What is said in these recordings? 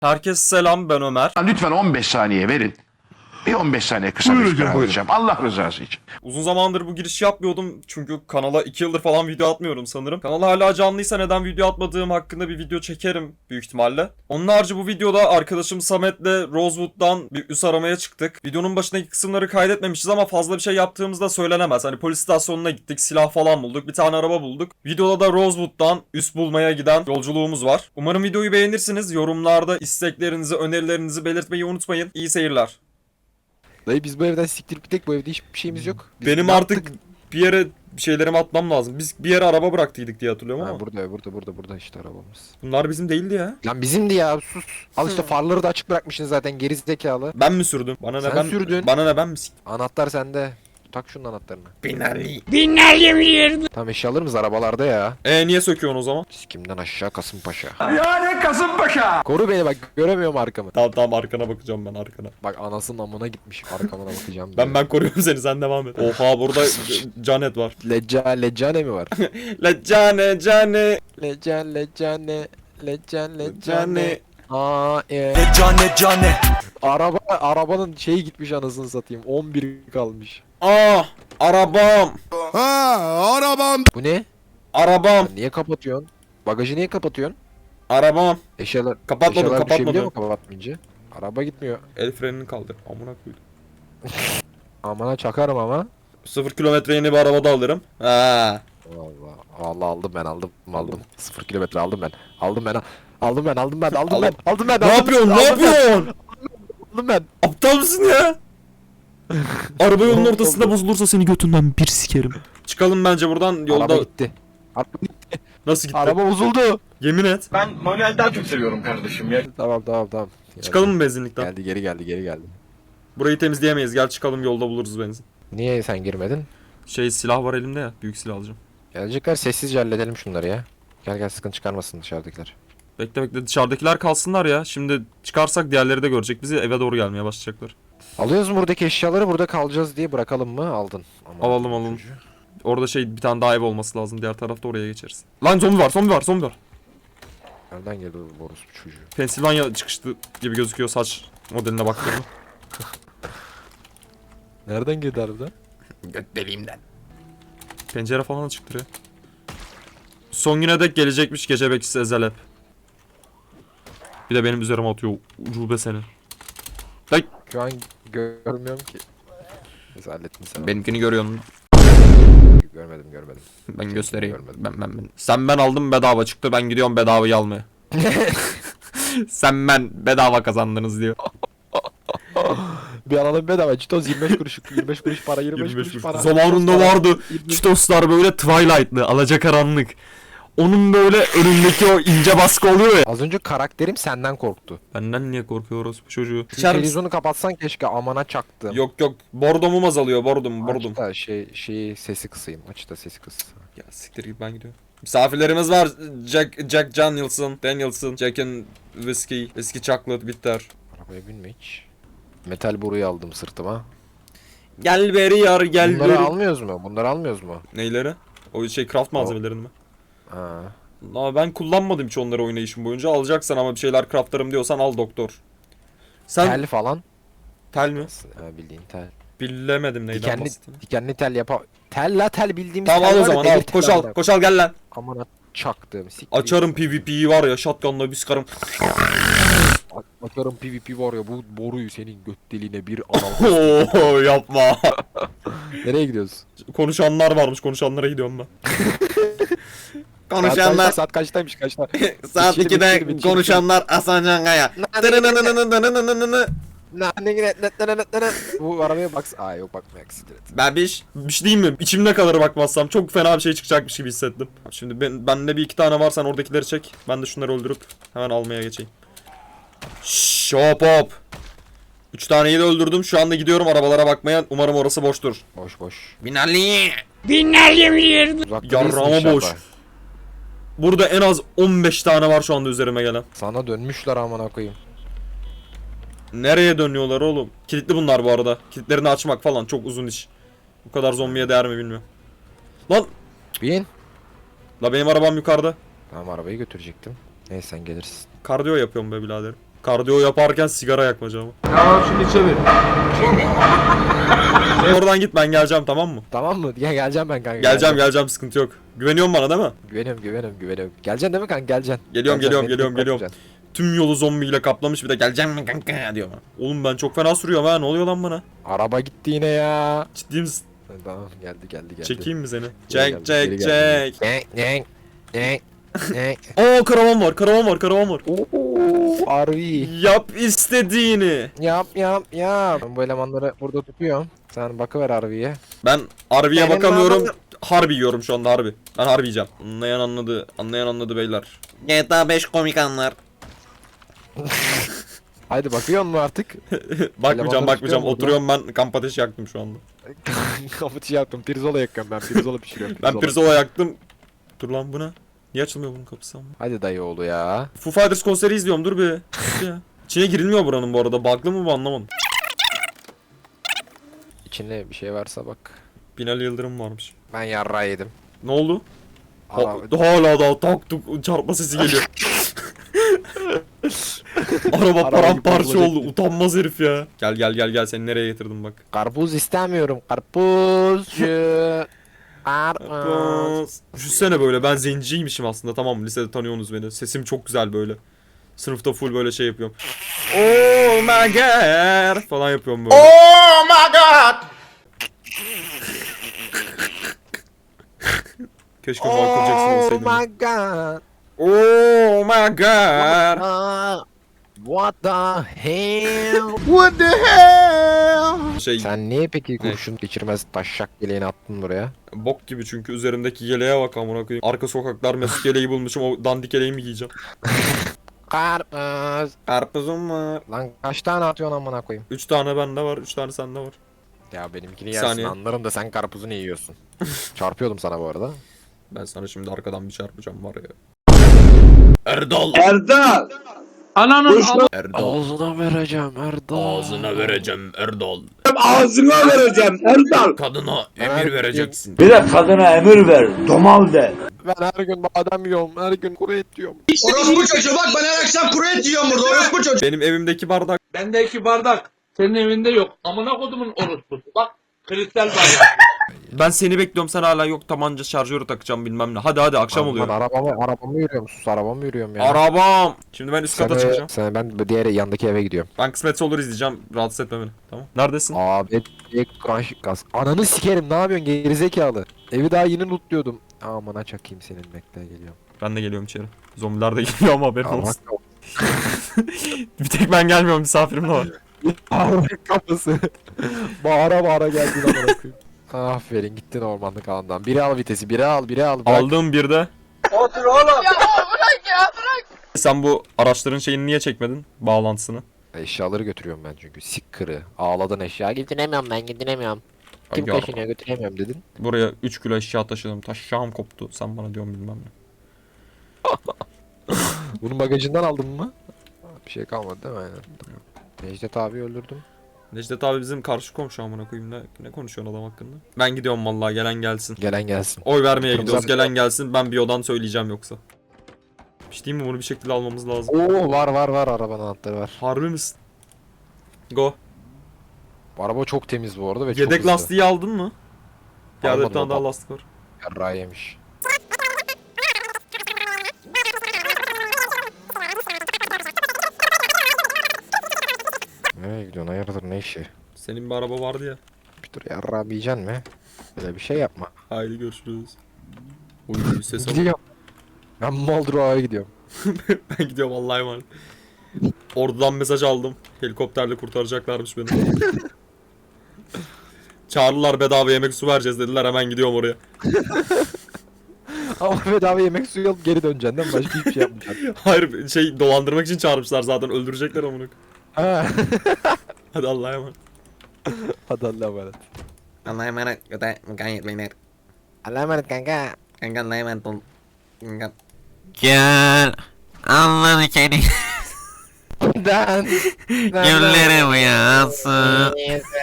Herkese selam, ben Ömer. Lütfen 15 saniye verin. Bir 15 saniye kısa bir süre alacağım. Allah rızası için. Uzun zamandır bu giriş yapmıyordum çünkü kanala 2 yıldır falan video atmıyorum sanırım. Kanal hala canlıysa neden video atmadığım hakkında bir video çekerim büyük ihtimalle. Onun harici bu videoda arkadaşım Samet'le Rosewood'dan bir üs aramaya çıktık. Videonun başındaki kısımları kaydetmemişiz ama fazla bir şey yaptığımız da söylenemez. Hani polis istasyonuna gittik, silah falan bulduk, bir tane araba bulduk. Videoda da Rosewood'dan üs bulmaya giden yolculuğumuz var. Umarım videoyu beğenirsiniz. Yorumlarda isteklerinizi, önerilerinizi belirtmeyi unutmayın. İyi seyirler. Dayı biz bu evden siktirip gittik, bu evde hiçbir şeyimiz yok. Biz Benim ne artık yaptık? bir yere şeylerimi atmam lazım. Biz bir yere araba bıraktıydık diye hatırlıyorum ama. Ha, burada işte arabamız. Bunlar bizim değildi ya. Lan bizimdi ya, sus. Al işte farları da açık bırakmışsın zaten, geri zekalı. Ben mi sürdüm? Bana ne Sen ben sürdün. Bana ne ben mi siktim? Anahtar sende. Tak şunun anahtarını. Binali. Tamam, eşyalarımız arabalarda ya. Niye söküyorsun o zaman? Sikimden aşağı Kasımpaşa. Yani Kasımpaşa. Koru beni bak, göremiyorum arkamı. Tamam arkana bakacağım ben arkana. Bak anasının amına gitmiş, arkamına bakacağım. Ben koruyorum seni, sen devam et. Oha burada Canet var. Leccane mi var? La cane. Leccane. Aa Cane. arabanın şeyi gitmiş, anasını satayım. 11 kalmış. Arabam. Bu ne? Arabam. Niye kapatıyorsun? Bagajı niye kapatıyorsun? Arabam. Eşyalar Kapatmadım. düşebiliyor mu kapatmayınca? Araba gitmiyor. El frenini kaldır. Amına koydum. Amına çakarım ama. 0 kilometre yeni bir araba da alırım. Ha. Allah aldım ben. 0 kilometre aldım ben. Aldım ben. Ne yapıyorsun? Aldım ben. Aptal mısın ya? Araba yolun ortasında bozulursa seni götünden bir sikerim. Çıkalım bence buradan, yolda. Araba gitti. Nasıl gitti? Araba bozuldu. Yemin et. Ben manuel daha çok seviyorum kardeşim ya. Tamam. Çıkalım mı benzinlikten? Geldi geri geldi. Burayı temizleyemeyiz. Gel çıkalım, yolda buluruz benzin. Niye sen girmedin? Silah var elimde ya. Büyük silah alacağım. Gelecekler, sessizce halledelim şunları ya. Gel sıkıntı çıkarmasın dışarıdakiler. Bekle dışarıdakiler kalsınlar ya. Şimdi çıkarsak diğerleri de görecek bizi. Eve doğru gelmeye başlayacaklar. Alıyoruz mu buradaki eşyaları, burada kalacağız diye bırakalım mı? Aldın. Aman Alalım. Orada bir tane daha ev olması lazım. Diğer tarafta oraya geçeriz. Lan zombi var. Nereden geldi bu orospu çocuğu? Pensilvanya çıkıştı gibi gözüküyor saç modeline baktığımda. Nereden geldi harbiden? Göt deliğimden. Pencere falan açıktır ya. Son güne dek gelecekmiş gece bekçisi Ezel hep. Bir de benim üzerime atıyor ucube seni. Ay. Şu an görmüyorum ki. Neyse hallettin sen. Benimkini görüyorsun. Görmedim. Ben göstereyim. Görmedim. Ben. Sen ben aldım bedava çıktı, ben gidiyorum bedavayı almaya. Sen ben bedava kazandınız diyor. Bir alalım bedava. Çitoz 25 kuruş. 25 kuruş para. 25 kuruş para. Zamanında vardı Cheetos'lar böyle Twilight'lı, alacakaranlık. Onun böyle önündeki o ince baskı oluyor ya. Az önce karakterim senden korktu. Benden niye korkuyoruz bu çocuğu? Şu televizyonu kapatsan keşke, amana çaktım. Yok bordomum azalıyor, bordum. Aç da şeyi sesi kısayım. Aç da sesi kıs. Ya siktir git, ben gidiyorum. Misafirlerimiz var. Jack Danielson, Jack'in whiskey chocolate bitter. Arabaya binme hiç. Metal boruyu aldım sırtıma. Gel beri yar gel Bunları beri. almıyoruz mu? Neyleri? O craft malzemelerini mi? Ha. Ama ben kullanmadım hiç onları oynayışım boyunca. Alacaksan ama bir şeyler craftlarım diyorsan al doktor. Sen Tel falan. tel mi? Ha, bildiğin tel. Bilemedim neyden bahsettiğini. Dikenli tel tel bildiğimiz Tamam tel al o var ya, zaman demir al. tel Koşal gel lan. Amına çaktım. Siktir. Açarım PvP'yi var ya, shotgunla bir sıkarım. Açarım PvP var ya, bu boruyu senin göt deliğine bir anal. Oo yapma. Nereye gidiyoruz? Konuşanlar varmış, konuşanlara gidiyorum ben. Konuşanlar Saat kaçtaymış? saat 2'de konuşanlar Hasan Cangaya. Bu arabaya bak. Aa yok, bakma siktir et. Bebiş, bir şey diyeyim mi? İçimde kalır bakmazsam. Çok fena bir şey çıkacakmış gibi hissettim. Şimdi bende bir iki tane var, sen oradakileri çek. Ben de şunları öldürüp hemen almaya geçeyim. Şşş, hop. 3 taneyi de öldürdüm. Şu anda gidiyorum arabalara bakmaya. Umarım orası boştur. Boş. Binali. Uzakta Yarrağıma değilsin boş. inşallah. Burada en az 15 tane var şu anda üzerime gelen. Sana dönmüşler amına koyayım. Nereye dönüyorlar oğlum? Kilitli bunlar bu arada. Kilitlerini açmak falan çok uzun iş. Bu kadar zombiye değer mi bilmiyorum. Lan. Bin. La benim arabam yukarıda. Tamam, arabayı götürecektim. Neyse sen gelirsin. Kardiyo yapıyorum be biraderim. Kardiyo yaparken sigara yakmaca ama. Tamam şimdi çevir. Oradan git, ben geleceğim, tamam mı? Tamam mı? Geleceğim ben kanka. Geleceğim, sıkıntı yok. Güveniyorsun bana değil mi? Güveniyorum. Geleceksin değil mi kanka? Geleceksin. Geliyorum, Geleceksin, geliyorum. Tüm yolu zombiyle kaplamış, bir de geleceğim mi kanka diyor bana. Oğlum ben çok fena sürüyorum ha, ne oluyor lan bana? Araba gitti yine ya. Ciddi misin? Tamam geldi. Çekeyim mi seni? Geri Çek. Çek. Oo, karavan var. Ooo Harbi. Yap istediğini. Yap. Ben bu elemanları burada tutuyorum. Sen bakıver Harbi'ye. Ben harbiye Benim bakamıyorum. babam- Harbi yiyorum şu anda harbi. Ben harbi yiyeceğim. Anlayan anladı beyler. GTA 5 komik anlar. Haydi bakıyor mu artık? Bakmayacağım. çıkıyor mu Oturuyorum ben, kamp ateşi yaktım şu anda. Kapıcı yaptım. Pirzola yakıyorum ben. Pirzola pişiriyorum. Ben pirzola yaktım. Dur lan, bu ne? Niye açılmıyor bunun kapısı ama? Hadi dayı oğlu ya. Foo Fighters konseri izliyorum, dur bir. Dur ya. İçine girilmiyor buranın bu arada. Bug'lı mı bu, anlamadım. İçinde bir şey varsa bak. Binali Yıldırım varmış. Ben yarrağı yedim. Ne oldu? Araba- Hala daha tak tuk çarpma sesi geliyor. Araba paramparça gibi oldu. Utanmaz herif ya. Gel seni nereye getirdim bak. Karpuz istemiyorum. Karpuzcu. Karpuz. Düşünsene böyle, ben zenciymişim aslında, tamam mı? Lisede tanıyorsunuz beni. Sesim çok güzel böyle. Sınıfta full böyle şey yapıyorum. Oh my god falan yapıyorum böyle. Oh my god. Keşke Michael Jackson Oh olsaydım. my god. Oh my god. What the hell? What the hell? Şey, Sen niye peki kurşun geçirmez taşşak yeleğini attın buraya? bok gibi çünkü üzerimdeki yeleğe bak amına koyayım. Arka sokaklar mesut yeleği bulmuşum, o dandik yeleği mi giyeceğim? Karpuz. Karpuzum var. Lan kaç tane atıyorsun amına koyayım? 3 tane bende var, 3 tane sende var. Ya benimkini Bir yersin saniye. anlarım da sen karpuzunu yiyorsun. Çarpıyordum sana bu arada. Ben sana şimdi arkadan bir çarpacağım var ya. Erdal. Erdal. Ananın Erdal. Ağzına vereceğim Erdal. Ağzına vereceğim Erdal. ağzına vereceğim Erdal. Kadına Her emir vereceksin. Bir de kadına emir ver. Domal de. Ben her gün badem yiyorum, her gün kuru et yiyorum. Orospu çocuğu bak ben her akşam kuru et yiyorum burada orospu çocuğu. Benim evimdeki bardak. Bende 2 bardak. Senin evinde yok. Amına kodumun orospusu. Bak kristal bardak. Ben seni bekliyorum, sen hala yok, tabanca şarjörü takacağım bilmem ne. Hadi akşam oluyor. Ben arabamı yürüyorum, sus arabamı yürüyorum ya. Arabam. Şimdi ben üst kata çıkacağım. Ben diğer yandaki eve gidiyorum. Ben kısmetse olur izleyeceğim. Rahatsız etme beni. Tamam. Neredesin? Abi gaz. Ananı sikerim ne yapıyorsun gerizekalı. Evi daha yeni lootluyordum. Amına çakayım senin bekle geliyorum. Ben de geliyorum içeri. Zombiler de geliyor ama haberin Allah olsun. Bir tek ben gelmiyorum, misafirim de var. kapısı. bağıra geldin amına koyayım. Aferin gittin ormanlık alandan. Biri al vitesi, biri al. Bırak. Aldığım bir de. Otur oğlum. Sen bu araçların şeyini niye çekmedin? Bağlantısını. Eşyaları götürüyorum ben çünkü. Sik kırı. Ağladın eşya. Götüremiyorum ben götüremiyorum. Kim Hangi taşınıyor götüremiyorum dedin. Buraya 3 kilo eşya taşıdım. Taşşağım koptu. Sen bana diyorsun bilmem ne. Bunun bagajından aldın mı? Bir şey kalmadı değil mi? Aynen. Necdet abi öldürdüm. Necdet abi bizim karşı komşu amına koyayım, ne konuşuyorsun adam hakkında? Ben gidiyorum vallahi, gelen gelsin. Gelen gelsin. Oy vermeye Kırmızı gidiyoruz, abi- gelen gelsin. Ben bir odan söyleyeceğim yoksa. Bir şey diyeyim mi, bunu bir şekilde almamız lazım. Oo var arabanın anahtarı var. Harbi misin? Go. Bu araba çok temiz bu arada ve çok Yedek hızlı. lastiği aldın mı? Yerde bir Almadım tane daha ama. lastik var. Yarrağı yemiş. Nereye gidiyorsun hayırdır ne işi? Senin bir araba vardı ya. Bir dur yarrağı yiyeceksin mi? Böyle bir şey yapma. Haydi görüşürüz. Uy ses al. Gidiyorum. Ben Moldrova'ya gidiyorum. Ben gidiyorum Allah'a emanet. Ordudan mesaj aldım. Helikopterle kurtaracaklarmış beni. Çağırdılar, bedava yemek su vereceğiz dediler, hemen gidiyorum oraya. Ama bedava yemek suyu alıp geri döneceksin değil mi? Başka hiçbir şey yapmayacaksın. Hayır, şey, dolandırmak için çağırmışlar zaten, öldürecekler amına. Ha. Hadi Allah'a emanet. Hadi Allah'a emanet. Allah'a emanet. Göte mukayet beyler. Allah'a emanet kanka. Kanka Allah'a emanet ol. Kanka. Gel anları seni Dan. gülleri uyansın.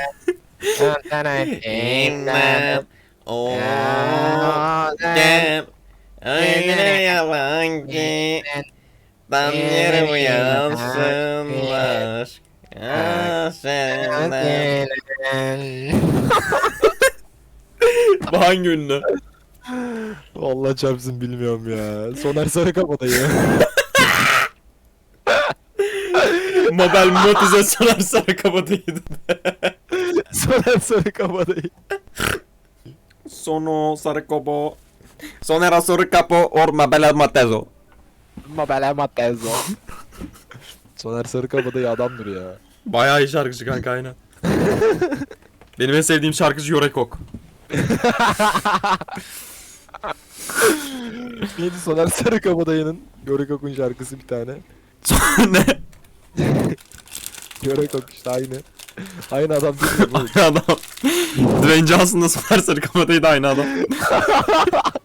İmdat. O gel öyle yabancı Sabahtan yeri uyansınlar. Senden. Bu hangi ünlü? Vallahi çarpsın bilmiyorum ya. Soner Sarıkabadayı. Mabel Matize Soner Sarıkabadayı'ydı. Soner Sarıkabadayı. Sono Sarıkabo. Sonera Sarıkapo or Mabel Matezo. Mabel Matezo. Soner Sarıkabadayı adamdır ya. Bayağı iyi şarkıcı kanka aynen. Benim en sevdiğim şarkıcı Yorekok. Neydi Soner Sarıkabadayı'nın Görekok'un şarkısı bir tane. Ne? Görekok işte aynı. Aynı adam değil mi bu? Aynı adam. Dwayne Johnson'la Soner Sarıkabadayı da aynı adam.